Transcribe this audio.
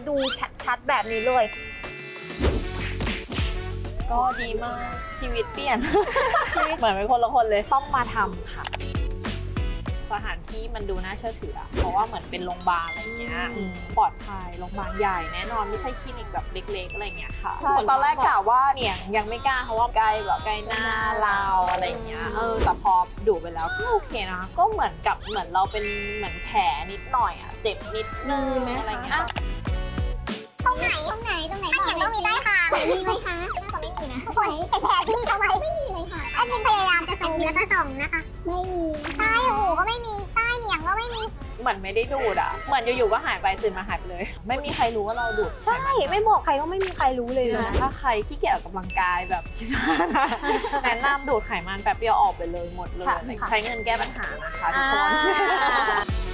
ดูชัดๆแบบนี้เลยก็ดีมากชีวิตเปลี่ยน เหมือนเป็นคนละคนเลยต้องมาทำค่ะสถานที่มันดูน่าเชื่อถืออะเพราะว่าเหมือนเป็นโรงพยาบาลอะไรเงี้ยปลอดภัยโรงพยาบาลใหญ่แน่นอนไม่ใช่คลินิกแบบเล็กๆอะไรเงี้ยค่ะตอนแรกกะว่าเนี่ยยังไม่กล้าเพราะว่าใกล้แบบใกล้หน้าเราอะไรเงี้ยแต่พอดูไปแล้วก็โอเคนะก็เหมือนเราเป็นเหมือนแผลนิดหน่อยอะเจ็บนิดนึงอะไรเงี้ยตรงไหนถ้าเขียนต้องมีได้ค่ะมีไหมคะก็ไม่มีนะทุกคนเป็นแผลที่เขาไว้ไม่มีเลยค่ะแอดมินพยายามจะซูมแล้วก็ส่องนะคะไม่มีใต้หูก็ไม่มีใต้เหนียงก็ไม่มีเหมือนไม่ได้ดูดอ่ะเหมือนอยู่ๆก็หายไปตื่นมาหายไปเลยไม่มีใครรู้ว่าเราดูดใช่ไม่บอกใครก็ไม่มีใครรู้เลยนะถ้าใครที่เกี่ยวกับกำลังกายแบบคิดว่านะแนะนำดูดไขมันแป๊บเดียวออกไปเลยหมดเลยใช้เงินแก้ปัญหานะคะทุกคน